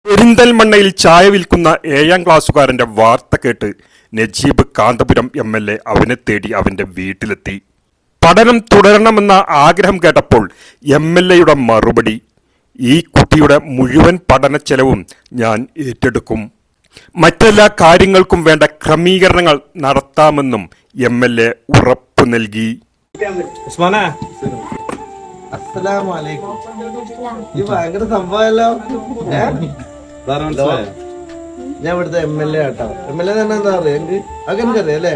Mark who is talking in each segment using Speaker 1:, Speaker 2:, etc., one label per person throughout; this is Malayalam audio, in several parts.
Speaker 1: പെരിന്തൽമണ്ണയിൽ ചായ വിൽക്കുന്ന 7ാം ക്ലാസ്സുകാരന്റെ വാർത്ത കേട്ട് നജീബ് കാന്തപുരം MLA അവനെ തേടി അവന്റെ വീട്ടിലെത്തി. പഠനം തുടരണമെന്ന ആഗ്രഹം കേട്ടപ്പോൾ MLAയുടെ മറുപടി, ഈ കുട്ടിയുടെ മുഴുവൻ പഠന ചെലവും ഞാൻ ഏറ്റെടുക്കും, മറ്റെല്ലാ കാര്യങ്ങൾക്കും വേണ്ട ക്രമീകരണങ്ങൾ നടത്താമെന്നും MLA ഉറപ്പു നൽകി.
Speaker 2: ഭയങ്കര സംഭവമല്ലോ. ഞാൻ ഇവിടുത്തെ MLA ആട്ടോ. MLA തന്നെ എന്താ പറയാ, എനിക്കറിയാം അല്ലേ?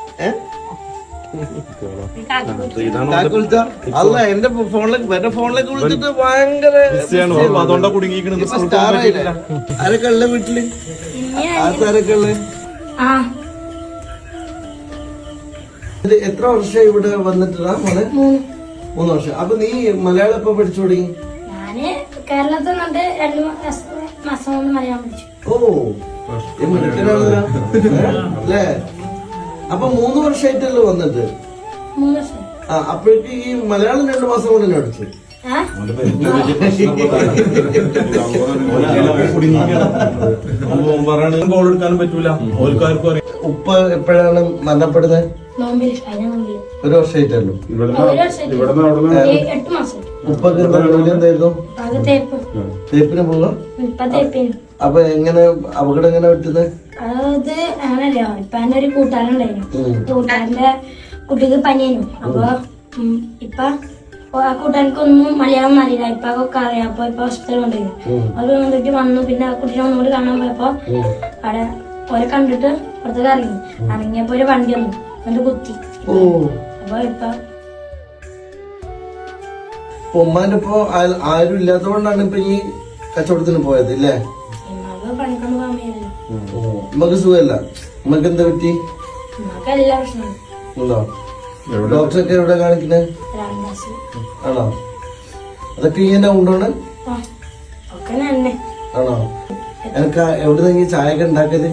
Speaker 2: അല്ല, എന്റെ ഫോണിലേക്ക് വിളിച്ചിട്ട് ഭയങ്കര ആരൊക്കെ ഉള്ള വീട്ടില്? ആരൊക്കെ ഉള്ള? എത്ര വർഷം ഇവിടെ വന്നിട്ടാ മോനെ? 3 വർഷം. അപ്പൊ നീ മലയാളം എപ്പോ പഠിച്ചു തുടങ്ങി?
Speaker 3: കേരളത്തിൽ 2 മാസം കൊണ്ട് മലയാളം പഠിച്ചു.
Speaker 2: ഓ, അല്ലേ? അപ്പൊ 3 വർഷമായിട്ടല്ലോ വന്നിട്ട്?
Speaker 3: 3 വർഷം.
Speaker 2: അപ്പോഴേക്ക് ഈ മലയാളം 2 മാസം കൊണ്ട് തന്നെ പഠിച്ചു. ഉപ്പ എപ്പോഴാണ് മരണപ്പെടുന്നത്? 1 വർഷമായിട്ടല്ലോ. ഉപ്പൊക്കെ ജോലി എന്തായിരുന്നു? തേപ്പിന് പോകാം. അപ്പൊ എങ്ങനെ അപകടം എങ്ങനെ പറ്റുന്നത്?
Speaker 3: അത് അങ്ങനല്ലോ, ഇപ്പൊ എന്റെ ഒരു കൂട്ടുകാരുണ്ടായിരുന്നു. കൂട്ടുകാരന്റെ കുട്ടിക്ക് പനിയായിരുന്നു. അപ്പൊ ഇപ്പൊ ആ കൂട്ടുകാർക്കൊന്നും മലയാളം അറിയില്ല. ഇപ്പൊ ഒക്കെ അറിയാം. അപ്പൊ ഇപ്പൊ ഹോസ്പിറ്റലിൽ കൊണ്ടുപോയി. അത് വന്നിട്ട് വന്നു. പിന്നെ ആ കുട്ടീനെ ഒന്നുകൂടി കാണാൻ പോയപ്പോ അവിടെ ഓരെ കണ്ടിട്ട് പുറത്തേക്ക് ഇറങ്ങിയപ്പോ ഒരു വണ്ടി വന്നു, എന്നിട്ട് കുത്തി. അപ്പൊ ഇപ്പൊ
Speaker 2: ഉമ്മാന്റെ ഇപ്പൊ ആരും ഇല്ലാത്തതുകൊണ്ടാണ് ഇപ്പൊ ഈ കച്ചവടത്തിന് പോയത് ഇല്ലേ?
Speaker 3: പണിക്കൊണ്ട് പോകാൻ വയ്യല്ലോ.
Speaker 2: ഉമ്മക്ക് സുഖമല്ല. ഉമ്മക്ക് എന്താ പറ്റി?
Speaker 3: എല്ലാ പ്രശ്നമാണ്.
Speaker 2: ഉണ്ടോ? ഡോക്ടറൊക്കെ എവിടെ കാണിക്കുന്നത്? ആണോ? അതൊക്കെ ഇങ്ങനെ ഉണ്ടോണ്? ആണോ? എനിക്ക് എവിടുന്നെങ്കിൽ ചായ ഒക്കെ ഉണ്ടാക്കല്?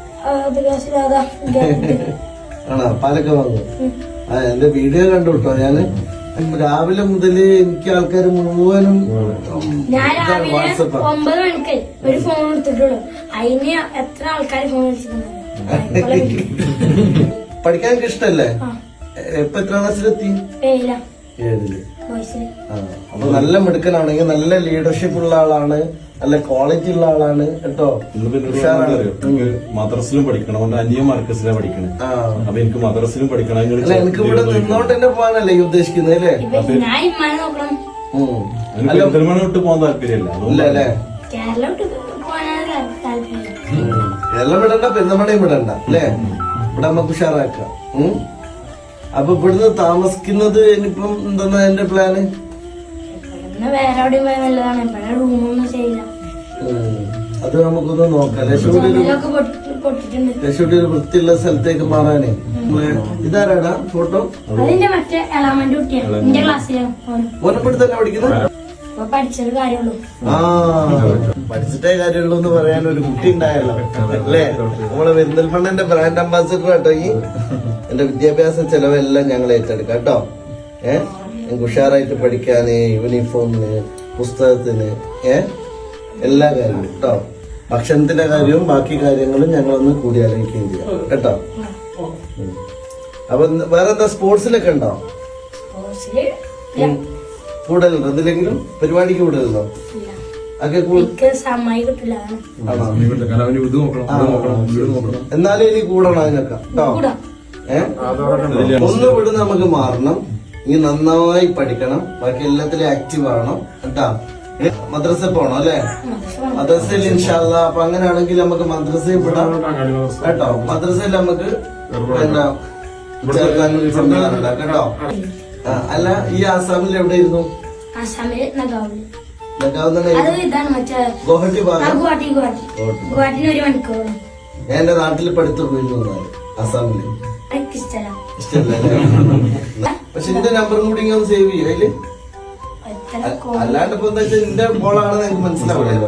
Speaker 2: ആണോ? പാലൊക്കെ വാങ്ങും. എന്റെ വീഡിയോ കണ്ടു കേട്ടോ. ഞാന് രാവിലെ മുതല് എനിക്ക് ആൾക്കാർ മുഴുവനും
Speaker 3: വാട്സപ്പ് 9 മണിക്ക് ഒരു ഫോൺ എടുത്തിട്ടുള്ളൂ. അതിന് എത്ര ആൾക്കാർ ഫോൺ വിളിച്ചിട്ടുണ്ടായിരുന്നു.
Speaker 2: പഠിക്കാൻ എനിക്ക് ഇഷ്ടല്ലേ? ഇപ്പൊ എത്ര ക്ലാസ്സിലെത്തി? 7ല്. അപ്പൊ നല്ല മിടുക്കനാണെങ്കിൽ, നല്ല ലീഡർഷിപ്പ് ഉള്ള ആളാണ്, നല്ല ക്വാളിറ്റി ഉള്ള ആളാണ് കേട്ടോ.
Speaker 4: മദ്രസിലും പഠിക്കണം. അവന്റെ അനിയൻ മർക്കസിലാണ് പഠിക്കണേ. അപ്പൊ എനിക്ക് മദ്രസിലും പഠിക്കണം.
Speaker 2: എനിക്ക് ഇവിടെ നിന്നോണ്ട് തന്നെ പോകാനല്ലേ ഈ ഉദ്ദേശിക്കുന്നത് അല്ലേ?
Speaker 4: പെരിന്തൽമണ്ണ വിട്ട് പോകാൻ താല്പര്യമില്ല.
Speaker 2: അല്ലേ? കേരളം വിടണ്ട, പെരുന്തൽമണ്ണയും വിടണ്ട അല്ലേ? ഇവിടെ നമുക്ക് ഉഷാറാക്കാം. അപ്പൊ ഇവിടുന്ന് താമസിക്കുന്നത് ഇനിയിപ്പം എന്താ എന്റെ പ്ലാന്? അത് നമുക്കൊന്ന് നോക്കാം. ലക്ഷ്മിയുടെ ഒരു വൃത്തിയുള്ള സ്ഥലത്തേക്ക് മാറാനേ. ഇതാരാടാ ഫോട്ടോ? ഓനപ്പെടുത്ത് തന്നെ പഠിക്കുന്നത്? പഠിച്ചിട്ടേ കാര്യമുള്ളൂ എന്ന് പറയാൻ ഒരു കുട്ടി ഉണ്ടായല്ലോ അല്ലേ? നമ്മളെ പെരിന്തൽമണ്ണന്റെ ബ്രാൻഡ് അംബാസിഡർ കേട്ടോ. ഈ എന്റെ വിദ്യാഭ്യാസ ചെലവെല്ലാം ഞങ്ങൾ ഏറ്റെടുക്കാം കേട്ടോ. ഞങ്ങൾക്ക് ഉഷാറായിട്ട് പഠിക്കാന്, യൂണിഫോമിന്, പുസ്തകത്തിന്, എല്ലാ കാര്യവും കേട്ടോ. ഭക്ഷണത്തിന്റെ കാര്യവും ബാക്കി കാര്യങ്ങളും ഞങ്ങളൊന്ന് കൂടി ആലോചിക്കുകയും ചെയ്യാം കേട്ടോ. അപ്പൊ വേറെ എന്താ സ്പോർട്സിലൊക്കെ ഉണ്ടോ? കൂടുതലുണ്ടോ? എന്തിലെങ്കിലും പരിപാടിക്ക് കൂടുതലുണ്ടോ? എന്നാലും ഇനി കൂടണം അതിനൊക്കെ കേട്ടോ. ഒന്ന് വിട് നമുക്ക് മാറണം. ഇനി നന്നായി പഠിക്കണം. ബാക്കി എല്ലാത്തിലും ആക്റ്റീവ് ആവണം കേട്ടാ. മദ്രസ പോണം അല്ലെ? മദ്രസയിൽ ഇൻഷാല്ലാ. അപ്പൊ അങ്ങനെയാണെങ്കിൽ നമുക്ക് മദ്രസയിൽ വിടാം കേട്ടോ. മദ്രസയിൽ നമുക്ക് എന്താ ചേർക്കാൻ സംവിധാനം കേട്ടോ. അല്ല, ഈ ആസാമിൽ എവിടെയിരുന്നു? ഗുവാഹട്ടി ഭാഗം. ഞാൻ എന്റെ നാട്ടിൽ പഠിത്തു പോയിരുന്നു ആസാമില്. ഇഷ്ടല്ലേ? പക്ഷെ എന്റെ നമ്പറും കൂടി ഇങ്ങനെ സേവ് ചെയ്യും അതില്. അല്ലാണ്ട് ഇപ്പൊ എന്താ വെച്ചാൽ എന്റെ ബോളാണെന്ന് എനിക്ക് മനസ്സിലാവില്ലല്ലോ.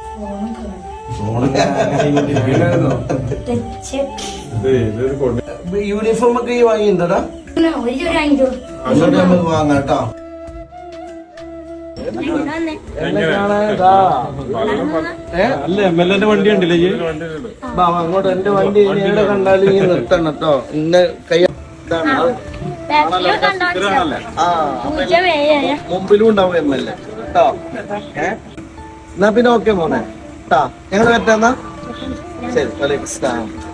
Speaker 2: യൂണിഫോം ഒക്കെ ഈ വാങ്ങിയിട്ടുണ്ടോ? നമുക്ക് വാങ്ങാം കേട്ടോ. എന്നെ കാണാതാ
Speaker 4: അല്ല MLA വണ്ടി ഉണ്ടല്ലേ ഈ
Speaker 2: അങ്ങോട്ട് എന്റെ വണ്ടി ഇനി എവിടെ കണ്ടാലും ഈ നിർത്തണം കേട്ടോ ഇന്നെ കൈ മുമ്പിലും ഉണ്ടാവും MLA കേട്ടോ. എന്നാ പിന്നെ ഓക്കെ മോനെ കേട്ടാ, ഞങ്ങൾ പറ്റാന്നാ ശരി. വലൈക്കും സ്സലാം.